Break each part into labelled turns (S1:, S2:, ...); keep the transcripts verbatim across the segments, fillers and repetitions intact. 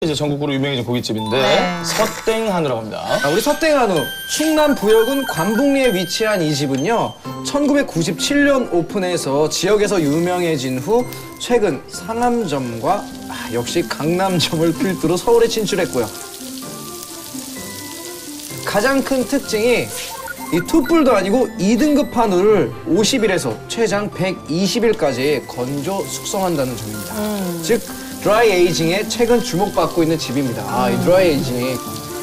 S1: 이제 전국구로 유명해진 고깃집인데
S2: 네.
S1: 서땡한우라고 합니다.
S3: 아, 우리 서땡한우 충남 부여군 관북리에 위치한 이 집은요 천구백구십칠 년 오픈해서 지역에서 유명해진 후 최근 상암점과 아, 역시 강남점을 필두로 서울에 진출했고요. 가장 큰 특징이 이 투뿔도 아니고 이 등급 한우를 오십 일에서 최장 백이십 일까지 건조 숙성한다는 점입니다.
S2: 음.
S3: 즉 드라이 에이징에 최근 주목받고 있는 집입니다. 아, 이 드라이 에이징이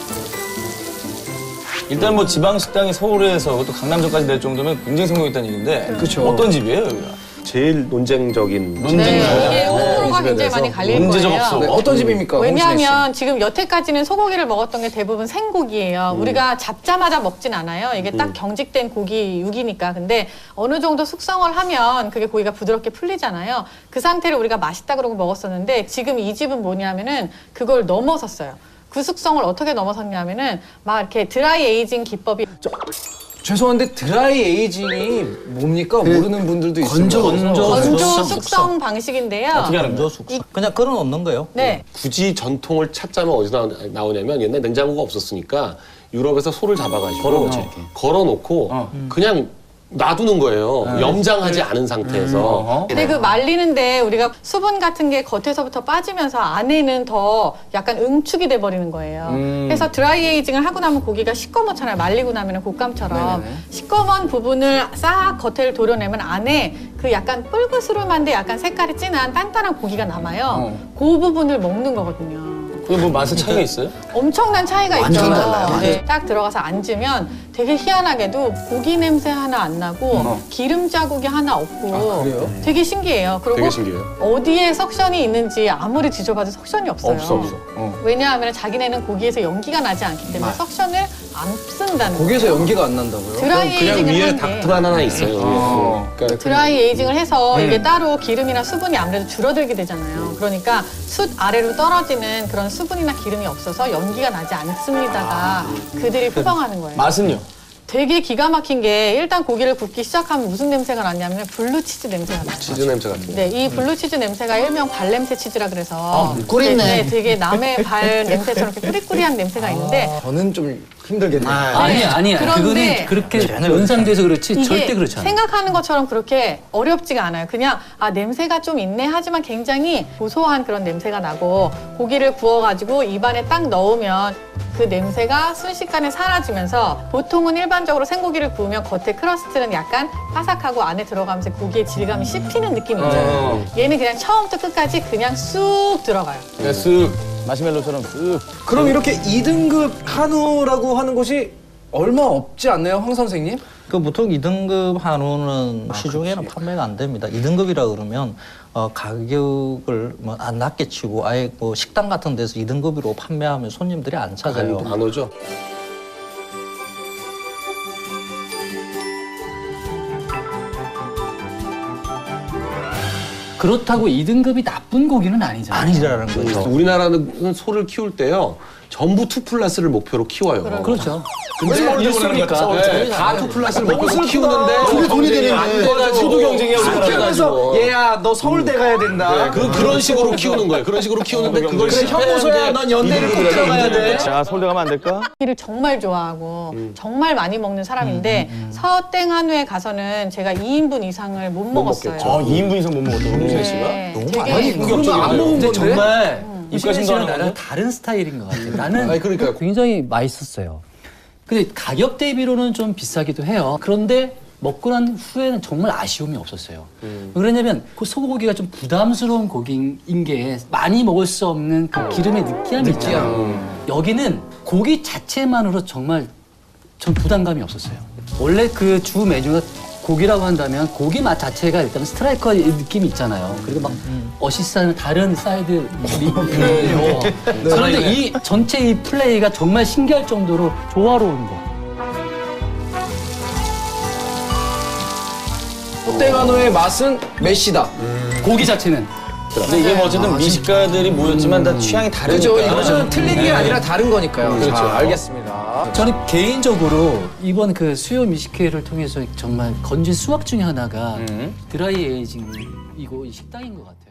S1: 일단 뭐 지방 식당이 서울에서 또 강남점까지 낼 정도면 굉장히 성공했다는 얘기인데
S3: 그쵸.
S1: 어떤 집이에요, 여기가?
S4: 제일 논쟁적인
S1: 논쟁
S2: 네,
S1: 나와요.
S2: 이게 호불호가
S3: 네,
S2: 굉장히 많이 갈릴
S1: 문제적
S2: 거예요.
S1: 없어.
S3: 네, 어떤 집입니까?
S2: 왜냐하면 지금 여태까지는 소고기를 먹었던 게 대부분 생고기예요.
S1: 음.
S2: 우리가 잡자마자 먹진 않아요. 이게 딱 경직된 고기 육이니까. 근데 어느 정도 숙성을 하면 그게 고기가 부드럽게 풀리잖아요. 그 상태를 우리가 맛있다 그러고 먹었었는데 지금 이 집은 뭐냐면은 그걸 넘어섰어요. 그 숙성을 어떻게 넘어섰냐면은 막 이렇게 드라이 에이징 기법이
S3: 죄송한데 드라이 에이징이 뭡니까? 모르는 분들도 있어요.
S5: 건조, 건조.
S2: 건조
S5: 숙성,
S2: 숙성 방식인데요.
S1: 어떻게 하는 거예요?
S2: 이-
S5: 그냥 걸어 놓는 거예요.
S2: 네.
S4: 굳이 전통을 찾자면 어디서 나오- 나오냐면 옛날 냉장고가 없었으니까 유럽에서 소를 잡아가지고
S1: 걸어놓지, 이렇게.
S4: 걸어놓고
S1: 어.
S4: 그냥 놔두는 거예요. 염장하지 않은 상태에서.
S1: 어허.
S2: 근데 그 말리는데 우리가 수분 같은 게 겉에서부터 빠지면서 안에는 더 약간 응축이 돼버리는 거예요.
S1: 음.
S2: 그래서 드라이 에이징을 하고 나면 고기가 시꺼멓잖아요. 말리고 나면 곶감처럼. 시꺼먼 부분을 싹 겉을 도려내면 안에 그 약간 뿔그스름한데 약간 색깔이 진한 단단한 고기가 남아요. 그 부분을 먹는 거거든요.
S1: 그게 뭐 맛의 차이가 있어요?
S2: 엄청난 차이가 있죠.
S5: 완전 달라요.
S2: 네, 딱 들어가서 앉으면 되게 희한하게도 고기 냄새 하나 안 나고 기름 자국이 하나 없고
S3: 아, 그래요?
S2: 되게 신기해요. 그리고
S4: 되게 신기해요.
S2: 어디에 석션이 있는지 아무리 뒤져봐도 석션이 없어요.
S1: 없어, 없어. 어.
S2: 왜냐하면 자기네는 고기에서 연기가 나지 않기 때문에 석션을 안 쓴다는
S3: 고기에서
S2: 거예요.
S3: 연기가 안 난다고요?
S2: 드라이
S4: 그냥
S2: 에이징을
S4: 위에
S2: 한 게
S4: 닥트만 하나 있어요.
S1: 어.
S4: 그러니까
S2: 드라이 에이징을 해서 이게 따로 기름이나 수분이 아무래도 줄어들게 되잖아요. 그러니까 숯 아래로 떨어지는 그런 수분이나 기름이 없어서 연기가 나지 않습니다가 그들이 표방하는 거예요.
S1: 맛은요?
S2: 되게 기가 막힌 게 일단 고기를 굽기 시작하면 무슨 냄새가 나냐면 블루치즈 냄새가 나요.
S4: 치즈 냄새 같은 거.
S2: 네, 이 블루치즈 냄새가 일명 발냄새 치즈라 그래서
S5: 아, 꿀있네.
S2: 네, 네, 되게 남의 발 냄새처럼 이렇게 꾸리꾸리한 냄새가 있는데
S3: 저는 좀 힘들겠네요.
S5: 아니, 아니야.
S2: 그런데
S5: 그거는 그렇게 연상돼서 그렇지
S2: 이게
S5: 절대 그렇지 않아.
S2: 생각하는 것처럼 그렇게 어렵지가 않아요. 그냥 아 냄새가 좀 있네 하지만 굉장히 고소한 그런 냄새가 나고 고기를 구워가지고 입안에 딱 넣으면 그 냄새가 순식간에 사라지면서 보통은 일반적으로 생고기를 구우면 겉에 크러스트는 약간 바삭하고 안에 들어가면서 고기의 질감이 씹히는 느낌이 있잖아요. 얘는 그냥 처음부터 끝까지 그냥 쑥 들어가요.
S1: 그냥 쓱 마시멜로처럼 쓱.
S3: 그럼 이렇게 이 등급 한우라고 하는 곳이 얼마 없지 않나요, 황 선생님?
S5: 그 보통 이 등급 한우는 시중에는 판매가 안 됩니다. 이 등급이라 그러면 어, 가격을 뭐 안 낮게 치고 아예 뭐 식당 같은 데서 이 등급으로 판매하면 손님들이 안 찾아요.
S4: 안, 안 오죠?
S6: 그렇다고 이 등급이 나쁜 고기는 아니잖아요.
S5: 아니라는 거죠.
S4: 우리나라는 소를 키울 때요. 전부 투 플러스를 목표로 키워요.
S6: 그렇죠.
S1: 근데 일수니까.
S4: 네, 다 투 플러스를 목표로 키우는데
S3: 그게 돈이 되는데.
S4: 안 돼가지고
S1: 소득 경쟁이야,
S4: 안
S1: 우리나라.
S3: 그래서
S4: 돼가지고.
S3: 얘야 너 서울대 가야 된다.
S4: 네, 그, 그런 식으로 키우는 거예요. 그런 식으로 키우는데 그걸
S3: 그래, 형무소야 넌 연대를 꼭 들어가야 돼.
S1: 자, 서울대 가면 안 될까?
S2: 고기를 정말 좋아하고
S4: 음.
S2: 정말 많이 먹는 사람인데 서땡 한우에 가서는 제가 이 인분 이상을 못 먹었어요.
S4: 먹겠죠.
S1: 아, 이 인분 이상 못 먹었다고, 홍수혜 씨가?
S2: 네,
S5: 너무
S2: 되게
S5: 많이
S3: 아니 그러면 안 먹은
S6: 근데
S3: 건데?
S6: 정말
S1: 입가심도
S6: 이시는
S1: 하는
S6: 나랑
S1: 건데?
S6: 다른 스타일인 것 같아요. 나는
S4: 아니, 그러니까요.
S6: 굉장히 맛있었어요. 근데 가격 대비로는 좀 비싸기도 해요. 그런데 먹고 난 후에는 정말 아쉬움이 없었어요. 왜 그러냐면 그 소고기가 좀 부담스러운 고기인 게 많이 먹을 수 없는 그 기름의 느끼함이 있잖아요. 여기는 고기 자체만으로 정말 전 부담감이 없었어요. 원래 그 주 메뉴가 고기라고 한다면 고기 맛 자체가 일단 스트라이커 느낌이 있잖아요. 그리고 막 어시스트하는 다른 사이드 리뷰예요. 그런데 이 전체 이 플레이가 정말 신기할 정도로 조화로운 거.
S3: 서땡 한우의 맛은 메시다.
S6: 고기 자체는.
S1: 근데 이게 뭐 어쨌든 미식가들이 모였지만 다 취향이 다르니까.
S3: 그렇죠. 이것은 틀린 게 아니라 다른 거니까요.
S1: 그렇죠.
S3: 자, 알겠습니다.
S6: 저는 개인적으로 이번 그 수요 미식회를 통해서 정말 건진 수확 중에 하나가
S1: 음.
S6: 드라이 에이징이고 이 식당인 것 같아요.